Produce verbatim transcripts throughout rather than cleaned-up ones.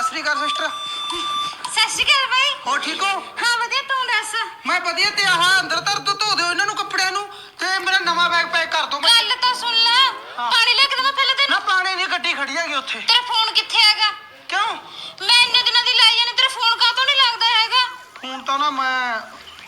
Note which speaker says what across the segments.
Speaker 1: ਸ੍ਰੀ ਅਕਾਲ sister.
Speaker 2: ਸਤਿ ਸ਼੍ਰੀ ਅਕਾਲ ਬਾਈ।
Speaker 1: ਹੋ ਠੀਕ ਹੋ?
Speaker 2: ਹਾਂ ਵਧੀਆ, ਤੂੰ ਦੱਸ?
Speaker 1: ਮੈਂ ਵਧੀਆ। ਤੇ ਆਹ ਅੰਦਰ ਧਰ ਦੋ, ਧੋ ਦਿਓ ਇਹਨਾਂ ਨੂੰ ਕੱਪੜਿਆਂ ਨੂੰ ਤੇ ਮੇਰਾ ਨਵਾਂ ਬੈਗ ਪੈਕ ਕਰ ਦੋ।
Speaker 2: ਗੱਲ ਤਾਂ ਸੁਣ ਲੈ। ਪਾਣੀ ਲੈ ਕੇ ਦੇਵਾਂ ਪਹਿਲਾਂ ਤੈਨੂੰ?
Speaker 1: ਨਾ ਪਾਣੀ ਦੀ ਗੱਡੀ ਖੜੀ ਹੈਗੀ ਉੱਥੇ।
Speaker 2: ਤੇਰਾ ਫੋਨ ਕਿੱਥੇ ਹੈਗਾ?
Speaker 1: ਕਿਉਂ?
Speaker 2: ਮੈਂ ਇੰਨੇ ਦਿਨਾਂ ਦੀ ਲਾਈ ਜਾਨੀ, ਤੇਰਾ ਫੋਨ ਕਾਹਤੋਂ ਨਹੀਂ ਲੱਗਦਾ ਹੈਗਾ?
Speaker 1: ਫੋਨ ਤਾਂ ਨਾ ਮੈਂ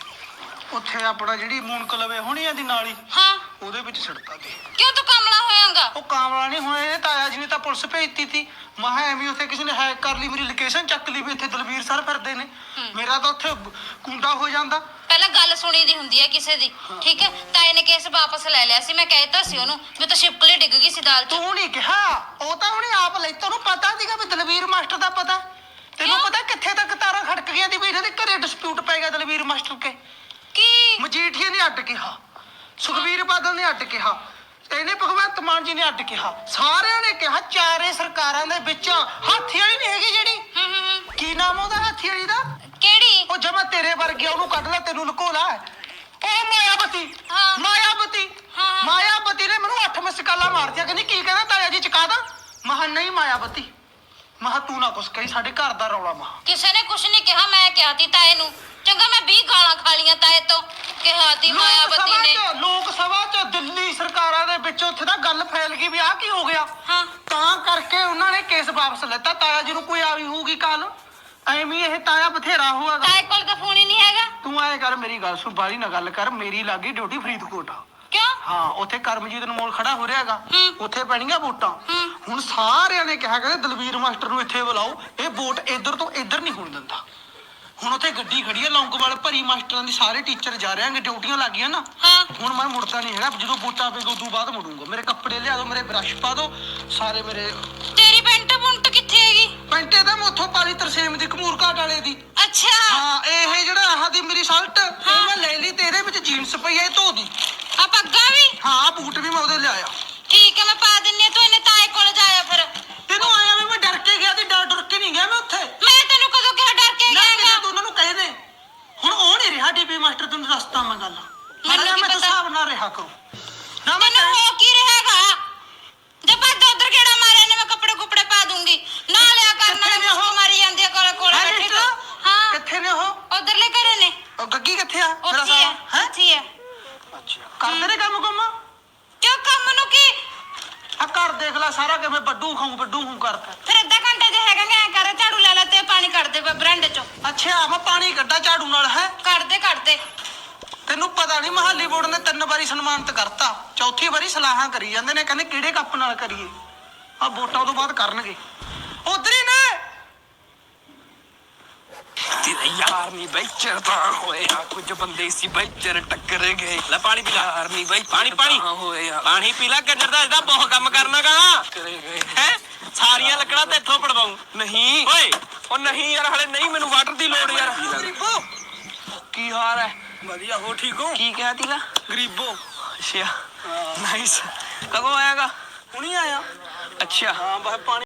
Speaker 1: ਉੱਥੇ ਆਪਣਾ ਜਿਹੜੀ ਮੂਨਕ ਲਵੇ ਹੋਣੀ ਆ ਦੀ ਨਾਲੀ,
Speaker 2: ਹਾਂ
Speaker 1: ਉਹਦੇ ਵਿੱਚ ਛਿੜਤਾ ਤੇ।
Speaker 2: ਕਿਉਂ ਤੂੰ ਕਮਲਾ ਹੋਇਆਗਾ?
Speaker 1: ਉਹ ਕਾਮਲਾ ਨਹੀਂ ਹੋਇਆ, ਇਹ ਤਾਇਆ ਜੀ ਨੇ ਤਾਂ ਪੁਲਿਸ ਭੇਜਤੀ ਤੀ। ਮੈਂ ਕਿਹਾ ਐਵੇਂ ਉੱਥੇ ਕਿਸੇ ਨੇ ਹੈਕ ਕਰ ਲਈ, ਮੇਰੀ ਲੋਕੇਸ਼ਨ ਚੱਕ ਲਈ ਵੀ ਇੱਥੇ ਦਲਵੀਰ ਸਰ ਫਿਰਦੇ ਨੇ। ਮੇਰਾ ਤਾਂ ਉੱਥੇ ਕੁੰਡਾ ਹੋ ਜਾਂਦਾ।
Speaker 2: ਪਹਿਲਾਂ ਗੱਲ ਸੁਣੀ ਦੀ ਹੁੰਦੀ ਹੈ ਕਿਸੇ ਦੀ, ਠੀਕ ਹੈ? ਤਾਏ ਨੇ ਕੇਸ ਵਾਪਸ ਲੈ ਲਿਆ ਸੀ, ਮੈਂ ਕਹਿਤਾ ਸੀ ਉਹਨੂੰ ਵੀ ਤਾਂ ਛਿਪਕਲੀ ਡਿੱਗ ਗਈ ਸੀ ਦਾਲ 'ਚ।
Speaker 1: ਤੂੰ ਨਹੀਂ ਕਿਹਾ, ਉਹ ਤਾਂ ਉਹਨੇ ਆਪ ਲਈ। ਤੈਨੂੰ ਪਤਾ ਸੀਗਾ ਵੀ ਦਲਵੀਰ ਮਾਸਟਰ ਦਾ ਪਤਾ? ਤੈਨੂੰ ਪਤਾ ਕਿੱਥੇ ਤੱਕ ਤਾਰਾਂ ਖੜਕ ਗਈਆਂ ਦੀ ਵੀ ਇਹਨਾਂ ਦੇ ਘਰੇ ਡਿਸਪਿਊਟ ਪੈ ਗਿਆ ਦਲਵੀਰ ਮਾਸਟਰ ਕੇ।
Speaker 2: ਕੀ?
Speaker 1: ਮਜੀਠੀਆ ਨੇ ਅੱਡ ਕਿਹਾ, ਸੁਖਬੀਰ ਬਾਦਲ ਨੇ ਅੱਡ ਕਿਹਾ, ਇਹਨੇ ਭਗਵੰਤ ਮਾਨ ਜੀ ਨੇ ਅੱਡ ਕਿਹਾ, ਸਾਰਿਆਂ ਨੇ ਕਿਹਾ। ਚਾਰੇ ਸਰਕਾਰਾਂ ਦੇ ਵਿੱਚ ਹਾਥੀ ਵਾਲੀ ਨਹੀਂ ਹੈਗੀ ਜਿਹੜੀ,
Speaker 2: ਹੂੰ ਹੂੰ।
Speaker 1: ਕੀ ਨਾਮ ਉਹਦਾ ਹਾਥੀ ਵਾਲੀ ਦਾ?
Speaker 2: ਕਿਹੜੀ?
Speaker 1: ਉਹ ਜਮਾ ਤੇਰੇ ਵਰਗੀ, ਉਹਨੂੰ ਕੱਢ ਲੈ, ਤੈਨੂੰ ਲੁਕੋ ਲੈ। ਉਹ ਮਾਇਆਵਤੀ।
Speaker 2: ਹਾਂ।
Speaker 1: ਮਾਇਆਵਤੀ।
Speaker 2: ਹਾਂ।
Speaker 1: ਮਾਇਆਵਤੀ ਨੇ ਮੈਨੂੰ ਅੱਠ ਮਿਸਕਾਲਾਂ ਮਾਰਤੀਆਂ, ਕਹਿੰਦੀ ਕੀ ਕਹਿੰਦਾ ਤਾਇਆ ਜੀ ਚੁਕਾ ਦਾਂ। ਮਹਾ ਨਹੀਂ ਮਾਇਆਵਤੀ, ਮਹਾ ਤੂੰ ਨਾ ਕੁਛ ਕਹੀ, ਸਾਡੇ ਘਰ ਦਾ ਰੌਲਾ। ਮਹਾ
Speaker 2: ਕਿਸੇ ਨੇ ਕੁਛ ਨਹੀਂ ਕਿਹਾ, ਮੈਂ ਕਿਹਾ ਤੀ ਤਾਏ ਨੂੰ। ਚੰਗਾ ਮੈਂ ਵੀਹ ਗਾਲਾਂ ਖਾ ਲੀਆਂ ਤਾਏ ਤੋਂ, ਕਿਹਾ ਤੀ ਮਾਇਆਵਤੀ ਨੇ।
Speaker 1: ਲੋਕ ਸਭਾ ਚ ਦਿੱਲੀ ਸਰਕਾਰਾਂ ਦੇ ਵਿੱਚ ਉੱਥੇ ਤਾਂ ਗੱਲ ਫੈਲ ਗਈ ਵੀ ਆਹ ਕੀ ਹੋ ਗਿਆ।
Speaker 2: ਹਾਂ
Speaker 1: ਤਾਂ ਕਰਕੇ ਉਹਨਾਂ ਨੇ ਕੇਸ ਵਾਪਸ ਲੈਤਾ। ਤਾਇਆ ਜੀ ਨੂੰ ਕੋਈ ਆਈ ਹੋਊਗੀ ਕਾਲ, ਐਵੇਂ ਇਹ ਤਾਇਆ ਬਥੇਰਾ ਹੋਇਆ।
Speaker 2: ਤਾਏ ਕੋਲ ਤਾਂ ਫੋਨ ਹੀ ਨਹੀਂ ਹੈਗਾ।
Speaker 1: ਤੂੰ ਐ ਕਰ, ਮੇਰੀ ਗੱਲ ਸੁਣ, ਬਾਹਲੀ ਨਾ ਗੱਲ ਕਰ। ਮੇਰੀ ਲੱਗੀ ਡਿਊਟੀ ਫਰੀਦਕੋਟ।
Speaker 2: ਕਿਉਂ?
Speaker 1: ਹਾਂ, ਉੱਥੇ ਕਰਮਜੀਤ ਅਨਮੋਲ ਖੜਾ ਹੋ ਰਿਹਾਗਾ,
Speaker 2: ਹੂੰ।
Speaker 1: ਉੱਥੇ ਪੈਣੀਆਂ ਵੋਟਾਂ।
Speaker 2: ਹੂੰ।
Speaker 1: ਹੁਣ ਸਾਰਿਆਂ ਨੇ ਕਿਹਾ ਕਹਿੰਦੇ ਦਲਵੀਰ ਮਾਸਟਰ ਨੂੰ ਇੱਥੇ ਬੁਲਾਓ, ਇਹ ਵੋਟ ਇੱਧਰ ਤੋਂ ਇੱਧਰ ਨਹੀਂ ਹੋਣ ਦਿੰਦਾ। ਹੁਣ ਉੱਥੇ ਗੱਡੀ ਖੜੀ ਹੈ ਲੌਂਗੋਵਾਲ ਭਰੀ, ਮਾਸਟਰਾਂ ਦੀ ਸਾਰੇ ਟੀਚਰ ਜਾ ਰਹੇ ਆਂਗੇ, ਡਿਊਟੀਆਂ ਲੱਗ ਗਈਆਂ ਨਾ।
Speaker 2: ਹਾਂ।
Speaker 1: ਹੁਣ ਮੈਂ ਮੁੜਦਾ ਨਹੀਂ ਹੈਗਾ, ਜਦੋਂ ਵੋਟਾਂ ਪਏਗਾ ਉਦੋਂ ਬਾਅਦ ਮੁੜੂੰਗਾ। ਮੇਰੇ ਕੱਪੜੇ ਲਿਆ ਦਿਓ, ਮੇਰੇ ਬ੍ਰਸ਼ ਪਾ ਦਿਓ ਸਾਰੇ ਮੇਰੇ।
Speaker 2: ਤੇਰੀ ਪੈਂਟ ਪੁੰਟ ਕਿੱਥੇ ਹੈਗੀ?
Speaker 1: ਪੈਂਟੇ ਤਾਂ ਮੈਂ ਉੱਥੋਂ ਪਾਲੀ ਤਰਸੇਮ ਦੀ, ਕਮੂਰ ਘਾਟ ਵਾਲੇ ਦੀ।
Speaker 2: ਅੱਛਾ।
Speaker 1: ਹਾਂ, ਇਹ ਜਿਹੜਾ ਆਹ ਦੀ ਮੇਰੀ ਸ਼ਰਟ, ਇਹ ਮੈਂ ਲੈ ਲਈ ਤੇ ਇਹਦੇ ਵਿੱਚ ਜੀਨਸ ਪਈ ਹੈ, ਇਹ ਧੋ ਦੀ।
Speaker 2: ਆ ਪੱਗਾ ਵੀ?
Speaker 1: ਹਾਂ, ਬੂਟ ਵੀ ਮੈਂ ਉਹਦੇ ਲਿਆਇਆ।
Speaker 2: ਠੀਕ ਹੈ, ਮੈਂ ਪਾ ਦਿੰਨੀ ਆ। ਤੂੰ ਇਹਨੇ ਤਾਏ ਕੋਲ ਜਾਇਆ ਫਿਰ।
Speaker 1: ਤੈਨੂੰ ਆਇਆ ਵੀ ਮੈਂ ਡਰ ਕੇ ਗਿਆ ਤੇ ਡਰ ਡਰ ਕੇ ਨਹੀਂ ਗਿਆ ਮੈਂ ਉੱਥੇ।
Speaker 2: ਮੈਂ ਤੈਨੂੰ ਕਦੋਂ ਕਿਹਾ ਡਰ ਕੇ
Speaker 1: ਨਾ
Speaker 2: ਗਿਆਗਾ?
Speaker 1: ਤੂੰ ਉਹਨਾਂ ਨੂੰ ਕਹਿ ਦੇ। ਹੁਣ ਉਹ ਨਹੀਂ ਰਿਹਾ ਡੀਪੀ ਮਾਸਟਰ, ਤੈਨੂੰ ਦੱਸਦਾ ਮੈਂ ਗੱਲ।
Speaker 2: ਮੈਨੂੰ ਕੀ
Speaker 1: ਮੈਂ ਤਾਂ
Speaker 2: ਪਤਾ?
Speaker 1: ਹਿਸਾਬ ਨਾਲ ਰਿਹਾ ਕਰੋ ਨਾ। ਮੈਂ
Speaker 2: ਤੈਨੂੰ ਹੋ ਕੀ ਰਿਹਾਗਾ? ਜੇ ਭੱਜ ਉਧਰ ਕਿਹੜਾ ਮਾਰਿਆ ਨੇ, ਮੈਂ ਕੱਪੜੇ ਕੁਪੜੇ ਪਾ ਦੂੰਗੀ। ਨਾ ਲਿਆ ਕਰਨਾ
Speaker 1: ਕਿੱਥੇ ਨੇ
Speaker 2: ਨੇ,
Speaker 1: ਉਹ?
Speaker 2: ਮੁਸਕ ਮਾਰੀ ਜਾਂਦੀ ਆ ਕੋਲੇ ਕੋਲੇ
Speaker 1: ਹੈਂ
Speaker 2: ਬੈਠੀ
Speaker 1: ਸਿਸਟਰ?
Speaker 2: ਤੂੰ। ਹਾਂ
Speaker 1: ਕਿੱਥੇ ਨੇ ਉਹ?
Speaker 2: ਉਧਰਲੇ ਘਰੇ ਨੇ।
Speaker 1: ਉਹ ਗੱਗੀ ਕਿੱਥੇ ਆ? ਮੇਰਾ
Speaker 2: ਉੱਥੇ
Speaker 1: ਸਾਲਾ
Speaker 2: ਹੈ, ਉੱਥੇ ਹੈ।
Speaker 1: ਅੱਛਾ, ਕਰਦੇ ਨੇ ਕੰਮ ਕੰਮ?
Speaker 2: ਕਿਉਂ ਕੰਮ ਨੂੰ ਕੀ?
Speaker 1: ਆ ਘਰ ਦੇਖ ਲੈ ਸਾਰਾ ਕਿਵੇਂ ਵੱਡੂ ਖਾਉ ਵੱਡੂ ਖਾਉ ਕਰਦਾ।
Speaker 2: ਫਿਰ ਅੱਧਾ ਘੰਟਾ ਜੇ ਹੈਗਾ ਐ ਕਰ, ਝਾੜੂ ਲੈ ਲੈ ਤੇ ਪਾਣੀ ਕੱਢ ਦੇ ਬਰਾਂਡੇ ਚੋਂ।
Speaker 1: ਅੱਛਾ, ਮੈਂ ਪਾਣੀ ਕੱਢਾ ਝਾੜੂ ਨਾਲ? ਹੈ
Speaker 2: ਕੱਢ ਦੇ ਕੱਢ ਦੇ।
Speaker 1: ਤੈਨੂੰ ਪਤਾ ਨਹੀਂ, ਮਹਾਲੀ ਬੋਰਡ ਨੇ ਤਿੰਨ ਵਾਰੀ ਸਨਮਾਨਿਤ ਕਰਤਾ, ਚੌਥੀ ਵਾਰੀ ਸਲਾਹਾਂ ਕਰੀ ਜਾਂਦੇ ਨੇ, ਕਹਿੰਦੇ ਕਿਹੜੇ ਕੱਪ ਨਾਲ ਕਰੀਏ। ਆ ਵੋਟਾਂ ਤੋਂ ਬਾਅਦ ਕਰਨਗੇ। ਉਧਰ ਹੀ ਨੇ।
Speaker 3: ਤੇਰਾ ਯਾਰ ਨਹੀਂ ਬਈ ਚਰਦਾ ਹੋਇਆ, ਕੁਝ ਬੰਦੇ ਸੀ ਬਈ ਚਰ ਟੱਕਰ ਗਏ। ਲੈ ਪਾਣੀ ਪੀ ਲੈ। ਯਾਰ ਨਹੀਂ ਬਈ ਪਾਣੀ ਪਾਣੀ ਹੋਇਆ, ਪਾਣੀ ਪੀ ਲੈ। ਕੰਜਰ ਦਾ ਇਹਦਾ ਬਹੁਤ ਕੰਮ ਕਰਨਾਗਾ। ਕਰੇ ਗਏ ਹੈ ਸਾਰੀਆਂ ਲੱਕੜਾਂ ਤੇ ਇੱਥੋਂ ਪੜਵਾਉਂ। ਨਹੀਂ ਓਏ, ਉਹ ਨਹੀਂ ਯਾਰ, ਹਲੇ ਨਹੀਂ, ਮੈਨੂੰ ਵਾਟਰ ਦੀ ਲੋੜ ਯਾਰ।
Speaker 1: ਗਰੀਬੋ,
Speaker 3: ਕੀ ਹਾਲ ਹੈ?
Speaker 1: ਵਧੀਆ। ਹੋ ਠੀਕ ਹੋ?
Speaker 3: ਕੀ ਕਿਹਾ ਤੀਲਾ?
Speaker 1: ਗਰੀਬੋ।
Speaker 3: ਅੱਛਾ, ਨਾਈਸ। ਕਦੋਂ ਆਏਗਾ?
Speaker 1: ਹੁਣੀ ਆਇਆ।
Speaker 3: ਅੱਛਾ।
Speaker 1: ਹਾਂ, ਬਸ ਪਾਣੀ